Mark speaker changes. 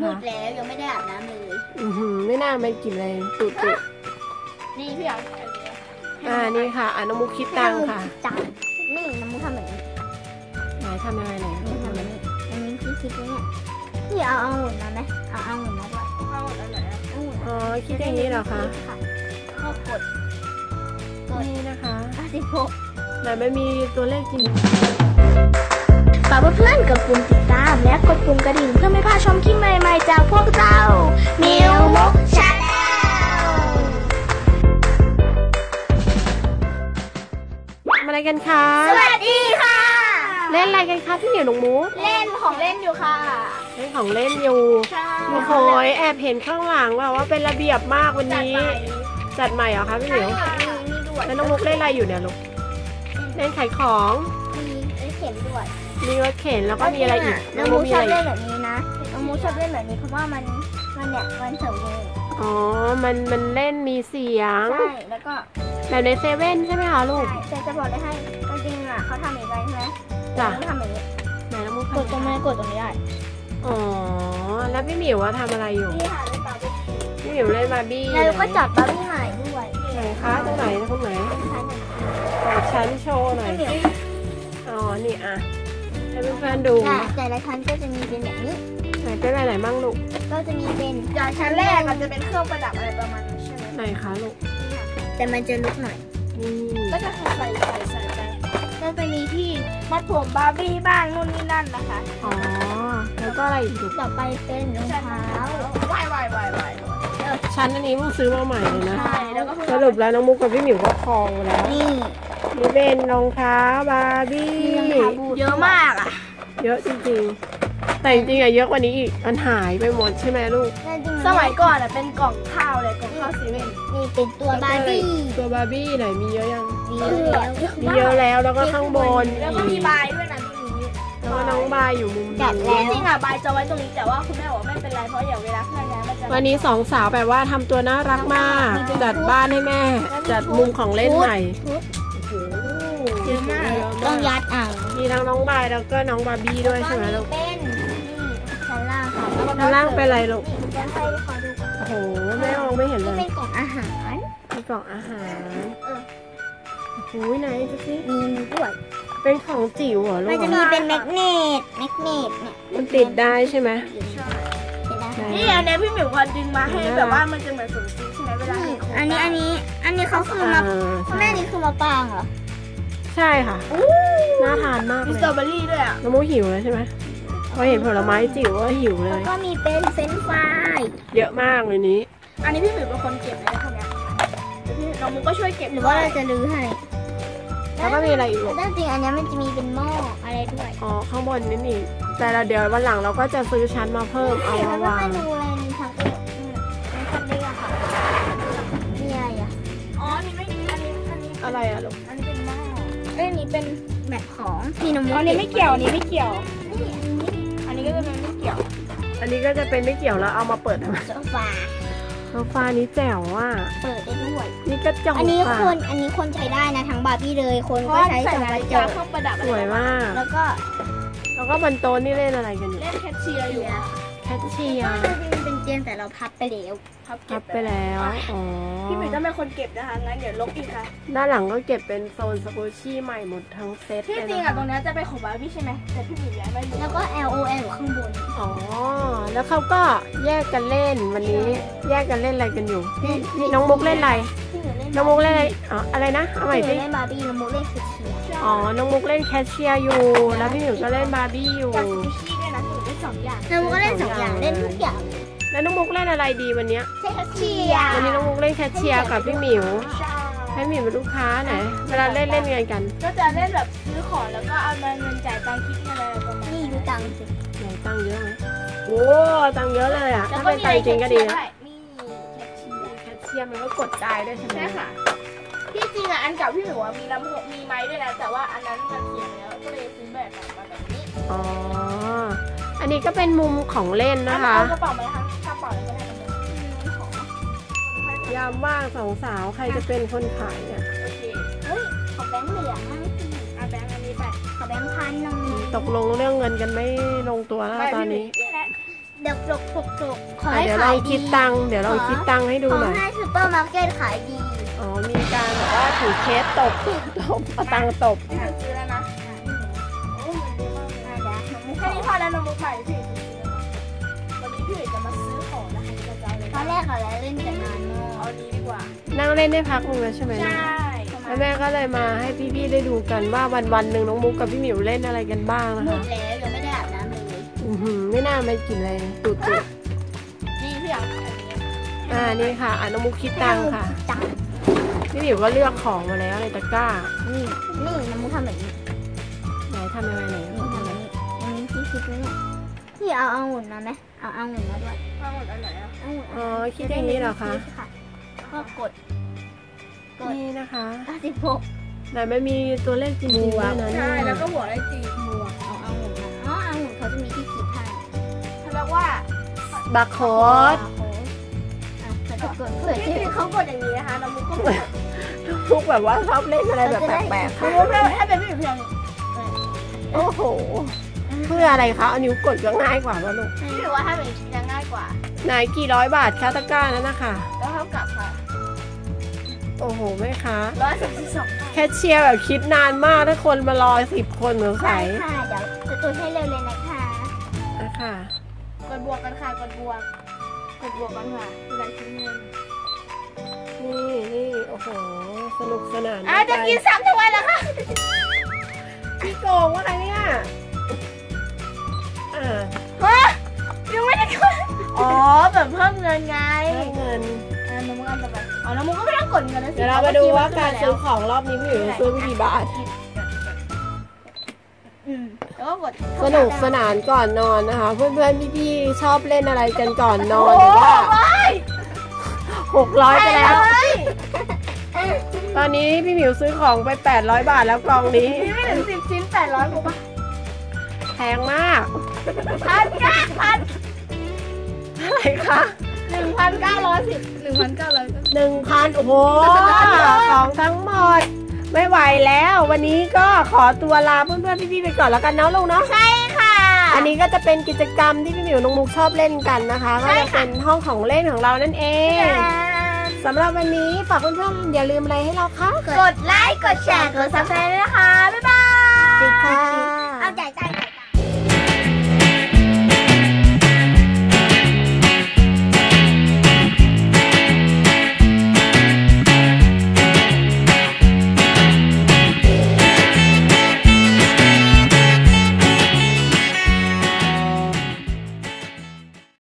Speaker 1: มื
Speaker 2: คะ
Speaker 1: ดแล้วยังไม่ได้อาบน้ำเลย
Speaker 2: ไม่น่ามันกลิ่นอะไรตุ่
Speaker 1: นี่พี่อยาก
Speaker 2: นี่ค่ะน้องมุกคิดตังค่ะ
Speaker 1: จังนี่น้ำมูกทำแบบนี้
Speaker 2: ไหนทำยังไงไหน
Speaker 1: นี่ทำแบบนี้อันนี้พี่คิดว่าเนี่ยพี่เอาองุ่นมาไหมเอาองุ่นมาด้วยเอาองุ่นอันไหนองุ่น
Speaker 2: อ๋อคิดอย่างนี้เหรอคะ
Speaker 1: ก็กด
Speaker 2: นี่นะคะ
Speaker 1: 56
Speaker 2: ไหนไม่มีตัวเลขจริง
Speaker 1: ฝากเพื่อนๆกดปุ่มติดตามและกดปุ่มกระดิ่งเพื่อไม่พลาดชมคลิปใหม่ๆจากพวกเรามิวมุกชาแนล
Speaker 2: ทำอะไรกันคะ
Speaker 1: สวัสดีค่ะ
Speaker 2: เล่นอะไรกันคะพี่เหนียวน้องมุก
Speaker 1: เล่นของเล่นอยู่ค่ะ
Speaker 2: เล่นของเล่นอยู่
Speaker 1: ใช่
Speaker 2: โอ้โหแอบเห็นข้างหลังว่าเป็นระเบียบมากวันนี้ จัดใหม่เหรอคะพี่เหนียว
Speaker 1: มีด่วน
Speaker 2: แล้วน้องมุกเล่นอะไรอยู่เนี่ยลูกเล่นขายของ
Speaker 1: มีเข็มด่วน
Speaker 2: มีรถเข็นแล้วก็มีอะไรอีก
Speaker 1: น้องมูชอบเล่นแบบนี้นะน้องมูชอบเล่นแบบนี้เพราะว่ามันเนี่ยมันเสริมมือ
Speaker 2: อ๋อมันเล่นมีเสียง
Speaker 1: ใช่แล้วก็
Speaker 2: แบบในเซเว่นใช่ไหมคะลูก
Speaker 1: แต่จะบอกเลยให้จริงๆอ่ะเขาทำอย่างไรใช่ไหม
Speaker 2: จ้ะ
Speaker 1: เขาทำแบบนี้
Speaker 2: ไหนน้องมุก
Speaker 1: กดตรงนี้กดตรงนี้ได้
Speaker 2: อ๋อแล้วพี่หมิวว่าทำอะไรอยู่
Speaker 1: นี่ค่ะเล่นบาร์บี้
Speaker 2: พี่หมิวเล่นบาร์บี้
Speaker 1: แล้วก็จับบาร์บี้ใหม่ด้วย
Speaker 2: ไหนคะตรงไหนตรงไหน
Speaker 1: ใช่
Speaker 2: ขอชั้นโชว์หน่อย
Speaker 1: เหนียว
Speaker 2: อ๋อนี่อ่ะให้เพื่อนๆดู
Speaker 1: แต่ละชั้นก็จะมีเป็นแบบนี้
Speaker 2: ไหนเป็นอะไรมั่งลูก
Speaker 1: ก็จะมีเป็น
Speaker 3: อย่างชั้นแรกอาจจะเป็นเครื่องประดับอะไรประมาณนี้ใช่ไหม
Speaker 2: ไหนคะลูก
Speaker 1: แต่มันจะลุกหน่อย
Speaker 2: นี่
Speaker 3: ก็จะใส่ไปก็จะมีที่มัดผมบาร์บี้บ้างนู่นนี่นั่นนะคะ
Speaker 2: อ๋อแล้วก็อะไรอีกลูก
Speaker 1: ต่อไปเป็นรองเท้า
Speaker 3: วาย
Speaker 2: ชั้นอันนี้เพิ่งซื้อมาใหม่เลยนะ
Speaker 1: ใช่แล้วก็
Speaker 2: สรุปแล้วน้องมุกกับพี่หมิวก็คลองไปแล้ว
Speaker 1: นี่
Speaker 2: นี่เป็นรองเท้าบาร์บี้
Speaker 1: มีรองเท้าบูท
Speaker 3: เยอะมากอ่ะ
Speaker 2: เยอะจริงๆ แต่จริงๆอะเยอะกว่านี้อีกมันหายไปหมดใช่ไหมลูก
Speaker 3: สมัยก่อนอ่ะเป็นกล่องข้าวเลยกล่องข้าวซีเมนต์
Speaker 1: นี่เป็นตัวบาร์บี้
Speaker 2: ตัวบาร์บี้ไหนมีเยอะยัง
Speaker 1: มีแล้ว
Speaker 2: มีเยอะแล้วแล้วก็ข้างบน
Speaker 3: แล้วก็มีบายด้วยนะตรงนี้
Speaker 2: แล้วก็น้องบายอยู่มุม
Speaker 1: จัด
Speaker 2: นี้
Speaker 1: แล้ว
Speaker 3: จริงๆอ่ะบายจะไว้ตรงนี้แต่ว่าคุณแม่บอกไม่เป็นไรเพราะอย่างเวลาเคลื่อนย้ายมันจะ
Speaker 2: วันนี้สองสาวแบบว่าทำตัวน่ารักมาก จัดบ้านให้แม่ จัดมุมของเล่นใหม่
Speaker 3: เยอะมาก
Speaker 1: ต้องยัดอ่าง
Speaker 2: มีทั้งน้องบายแล้วก็น้องบาร์บี้ด้วยใช่ไหมลูก
Speaker 1: เป็นนี่ชั้นล่างค่ะ
Speaker 2: ข้างล่างเป็นอะไรลูก
Speaker 1: นี่จะให้ขอดูก่อน
Speaker 2: โอ้โหแม่มองไม่เห็นเล
Speaker 1: นี่
Speaker 2: ย
Speaker 1: เป็นกล่องอาหาร
Speaker 2: มีกล่องอาหาร
Speaker 1: เออ
Speaker 2: โอ้โหไหนดูสิ
Speaker 1: มีด้วย
Speaker 2: เป็นของจิ๋วเหรอลู
Speaker 1: มัน
Speaker 2: ก
Speaker 1: จะมีเป็นแมกเนตเนี่ย
Speaker 2: มันติดได้ใช่ไหม
Speaker 1: เป็นได้
Speaker 2: ไหน
Speaker 3: นี่อันเนี้ยพี่หมิวพอดึงมาให้แบบว่ามันจะเหมือนสมจริงใช่ไหมเวลา
Speaker 1: นี่
Speaker 3: เห็นโครง
Speaker 1: อันนี้เขาคือมา
Speaker 2: ใช่
Speaker 1: แม่นี่คือมาปางเหรอ
Speaker 2: ใช่ค่ะ น่าทานมาก
Speaker 3: มี
Speaker 2: เล
Speaker 3: ส
Speaker 2: ย
Speaker 3: ตรอเบอรี่ด้วยอ่ะ
Speaker 2: น้องมุกหิวแล้วใช่ไหมพอเห็นผลไม้จิ๋วก็หิวเล
Speaker 1: แล้ว
Speaker 2: ย
Speaker 1: ก็มีเป็นเฟรนช์ฟราย
Speaker 2: เยอะมากเลยนี้
Speaker 3: อันนี้พี่หมิวเป็นคนเก็บเลยพวกเนี้ยน้องมุกก็ช่วยเก็บ
Speaker 1: หรือว่าเราจะรื้อให้
Speaker 2: แล้วก็มีอะไรอีกลูก
Speaker 1: แต่จริงอันนี้มันจะมีเป็นหม้ออะไรด้วย
Speaker 2: อ๋อข้างบนนี่นี่แต่เราเดี๋ยววันหลังเราก็จะซื้อชั้นมาเพิ่มเอา
Speaker 1: เดี๋ยว
Speaker 2: มา
Speaker 1: เรา
Speaker 2: วาง
Speaker 1: ให้ดูอะไรมีทั้งเอกมีทั้งเอกค่ะมีอะไรอ่ะ
Speaker 3: อ๋ออันนี้ไม่อันนี้
Speaker 2: อะไรอะลูก
Speaker 3: อันนี้เป็นหม้อเอ้ยอันนี้เป็น
Speaker 1: แบบของพี่นม
Speaker 3: อันนี้ไม่เกี่ยวอันนี้ไม่เกี่ยว
Speaker 1: นี่อันนี้
Speaker 3: อันนี้ก็จะเป็นไม่เกี่ยว
Speaker 2: อันนี้ก็จะเป็นไม่เกี่ยวแล้วเอามาเปิดทำไม
Speaker 1: โซฟา
Speaker 2: โซฟานี้แจ๋วอ่ะ
Speaker 1: เปิดได้ด้วย
Speaker 2: นี่ก็จอง
Speaker 1: อันนี้
Speaker 2: ค่ะ
Speaker 1: คนใช้ได้นะทั้งบาร์บี้เลยคน
Speaker 3: เพ
Speaker 1: ก็
Speaker 3: ราะ
Speaker 1: ใช้
Speaker 3: ใส่
Speaker 1: สอง
Speaker 3: นาก
Speaker 1: ระ
Speaker 3: ฬิ
Speaker 1: จ
Speaker 3: กาก เครื่องประดับ
Speaker 2: สวยมาก
Speaker 1: แล้วก็
Speaker 2: แล้วก็บนโต๊ะนี่เล่นอะไรกันอยู่
Speaker 3: เล่นแคชเชียร์อยู่
Speaker 2: แคชเชียร์
Speaker 1: เป็นเตียงแต่เราพับไปแล้ว
Speaker 3: พับ
Speaker 2: พั
Speaker 3: เก็
Speaker 2: บบ ไปแล้วอ๋อ
Speaker 3: พี่หมิวต้องเป็นคนเก็บนะคะงั้นเดี๋ยวลบอีกค่ะ
Speaker 2: ด้านหลังก็เก็บเป็นโซนสกูชี่ใหม่หมดทั้งเซต
Speaker 3: ที่
Speaker 2: เลย
Speaker 3: จริง
Speaker 2: นะ
Speaker 3: อ่ะตร
Speaker 2: คะ
Speaker 3: งนี้จะเป็นของบาร์บี้ใช่ไหมแต่พี่หมิวย้ายมาอยู่
Speaker 1: แล้วก็ LOL อยู่ข้างบน
Speaker 2: อ๋อแล้วเขาก็แยกกันเล่นวันนี้แยกกันเล่นอะไรกันอยู่พี่น้องมุกเล่นอะไร
Speaker 1: พี่หนูเล่น
Speaker 2: น้องมุกเล่นอะไรอ๋ออะไรนะเอาใหม่
Speaker 1: พี่หนู
Speaker 2: สิ
Speaker 1: เล่นบาร์บี้น้องมุกเล่นคือเชียร์
Speaker 2: อ๋อน้องมุกเล่นแคชเชียร์อยู่ แล้วพี่หมิวก็เล่นบาร์บี้อยู่
Speaker 3: กับซูชิด้วยนะพี่หมิวได้2 อย่าง
Speaker 1: น้องมุกก็เล่นสองอย่างเล่นทุกอย่าง
Speaker 2: แล้วน้องมุกเล่นอะไรดีวันเนี้ย
Speaker 1: ใช่ค่ะเชียร์
Speaker 2: วันนี้น้องมุกเล่นแคชเชียร์กับพี่หมิว
Speaker 3: ใช่
Speaker 2: ให้หมิวเป็นลูกค้าไหนเวลาเล่นเล่นไงกัน
Speaker 3: ก็จะเล่นแบบซื้อของแล้วก็เอาเงินจ่ายตังค์คิดเงินอะไรประมาณ
Speaker 1: นี่ดูตังค์สิ
Speaker 2: ไหนตังค์เยอะไหมโอ้ตังค์เยอะเลยอ่ะ
Speaker 3: แล้ว
Speaker 2: ถ้า
Speaker 3: ก็
Speaker 2: เป็น
Speaker 3: มี
Speaker 2: ตังค์จริงก็ดีนะ
Speaker 3: นี่แคชเชียร์
Speaker 2: แคชเชียร์มันก็กดได้ด้วยใช่ไหม
Speaker 3: ใช่ค่ะที่จริงอ่ะอันเก่าพี่หมิวมีลำโพงมีไม้ด้วยนะแต่ว่าอันนั้นมันเสียแล้วก็เลยซื้อแบบใหม่มาแบบนี้
Speaker 2: อ๋ออันนี้ก็เป็นมุมของเล่นนะคะ
Speaker 3: เอากระเป๋ามาทั้งกระเป๋าเลยก็ได้นะของ
Speaker 2: ยามว่างสองสาวใครจะเป็นคนขายเนี่ย
Speaker 3: โอเค
Speaker 1: เฮ้ยขอแบงค์เหลืองมั่งสิ
Speaker 3: เอาแบงค์อันนี้ไป
Speaker 1: ขอแบงค์พันหนึ่ง
Speaker 2: ตกลงเรื่องเงินกันไม่ลงตัวแล้วตอนนี้
Speaker 3: นี่แหละ
Speaker 1: เดี๋ยวจกขอ
Speaker 2: อ่ะ
Speaker 1: ให้
Speaker 2: เดี๋ยวเรา
Speaker 1: ขาย
Speaker 2: คิ
Speaker 1: ดี
Speaker 2: ดตังค์เดี๋ยวเราคิดตังค์ให้ดู
Speaker 1: ขอ
Speaker 2: หน่อย
Speaker 1: ให้ซูเปอร์มาร์เก็ตขายดี
Speaker 2: อ๋อมีการแบบว่าถือเคสตบเอาตังค์ตบ
Speaker 3: พี่ซื้อแล้วนะโอ้มันดีมากเลยแค่นี้พอแล้วน้องมุกใหม่พี่วันนี้พี่จะมาซื้อของนะคะจะเอาเลย
Speaker 1: ตอนแรกเขาเล่นกันนานมาก
Speaker 3: เอานี้ดีกว่า
Speaker 2: นั่งเล่นได้พักนึงแล้วใช่ไหม
Speaker 3: ใช่
Speaker 2: เนี่ยแล้วแม่ก็เลยมาให้พี่ๆได้ดูกันว่าวันๆหนึ่งน้องมุกกับพี่หมิวเล่นอะไรกันบ้างนะ
Speaker 1: หม
Speaker 2: คะ
Speaker 1: ดแล้วยังไม่ได้อาบน้ำเลย
Speaker 2: ไม่น่าไม่กินอะไรตุด
Speaker 3: นี่พี่อยากอันนี้
Speaker 2: นี่ค่ะน้องมุกคิดตังค์ค่ะ
Speaker 1: จัง
Speaker 2: พี่หมิวก็เลือกของมาแล้วในตะกร้า
Speaker 1: นี่น้ำมุกทำแบบนี้
Speaker 2: ไหนทำยังไงไหน
Speaker 1: นี่ทำแบบนี้อันนี้ที่คิดไว้เนี่ยพี่เอาองุ่นมาไหมเอาองุ่นมาด้วย
Speaker 3: ข้าวหมดอันไหนอ่ะ
Speaker 1: องุ่น
Speaker 2: อ๋อคิดอย่างนี้เหรอคะ
Speaker 1: ก็กด
Speaker 2: นี่นะคะ
Speaker 1: 96
Speaker 2: ไหนไม่มีตัวเลขจริงๆด้วยนะ
Speaker 3: ใช่
Speaker 2: เนี่ย
Speaker 3: แล้วก็หัวได้จีบ
Speaker 1: บวกเอาองุ่นมาอ๋อองุ่นเขาจะมีที่คิดให้
Speaker 3: เขาเรียกว่า
Speaker 2: บาร์โค้ด
Speaker 1: เขาจะกดเผื่อ
Speaker 3: พี่
Speaker 1: ที่
Speaker 3: เขากดอย่างนี้นะคะน้องมุกก็กด
Speaker 2: มุกแบบว่าชอบเล่นอะไรแบบแปลกๆ
Speaker 3: น้อ
Speaker 2: ค่ะ
Speaker 3: งมุกให้เป็นพี่เพียง
Speaker 2: โอ้โหเพื่ออะไรคะเอานิ้วกดก็ง่ายกว่าว่าลูก
Speaker 3: พี่ถือว่าให้เป็นจะง่ายกว่า
Speaker 2: ไหนกี่ร้อยบาทคะตะกร้านั้นนะคะ
Speaker 3: แล้วเท่ากับค่ะ
Speaker 2: โอ้โหแม่คะ
Speaker 3: 132
Speaker 2: แคชเชียร์แบบคิดนานมากถ้าคนมารอ10 คนสงสัย
Speaker 1: ค่ะเดี๋ยวจะตัวให้เร็วเลยนะคะ
Speaker 2: นะคะ
Speaker 3: กดบวกกันค่ะกดบวกกันค่ะเวลาคิดเงิน
Speaker 2: นี่โอ้โหสนุกสนาน
Speaker 3: จะกินซ้ำทำไมล่ะคะ
Speaker 2: พี่โกงว่าอะไรเนี่ย
Speaker 3: ฮะยังไม่ได้กดอ๋อแบบเพิ่มเงินไง
Speaker 2: ให้เงิน
Speaker 3: น้องมุกอันต่อไปอ๋อน้องมุกก็ไม่ต้องกดเงินนะสิ
Speaker 2: เดี๋ยวเรามาดูว่าการซื้อของรอบนี้พี่หมิวซื้อไปกี่บาท
Speaker 3: แล้วก็กด
Speaker 2: สนุกสนานก่อนนอนนะคะ เพื่อนๆพี่ๆชอบเล่นอะไรกันก่อนนอนหรือว่า600ไปแล้ว ตอนนี้พี่หมิวซื้อของไป800 บาทแล้วกล่องนี้
Speaker 3: นี่ไม่ถึง10 ชิ้น800กูป่ะ
Speaker 2: แพงมาก
Speaker 3: พัน
Speaker 2: อะไรคะ
Speaker 3: 1,910 1,900
Speaker 2: 1,000 โอ้โห ของทั้งหมด ไม่ไหวแล้ว วันนี้ก็ขอตัวลาเพื่อนๆพี่ๆไปก่อนแล้วกันเนาะลุงเนาะ
Speaker 3: ใช่ค่ะ
Speaker 2: อันนี้ก็จะเป็นกิจกรรมที่พี่หมิวน้องมุกชอบเล่นกันนะคะก็จะเป็นห้องของเล่นของเรานั่นเองสำหรับวันนี้ฝากเพื่อนๆอย่าลืมอะไรให้เราคะ
Speaker 3: กดไลค์ กดแชร์ กดซับสไครต์ด้วยนะคะ บ๊ายบาย
Speaker 2: สวัสดีค่ะ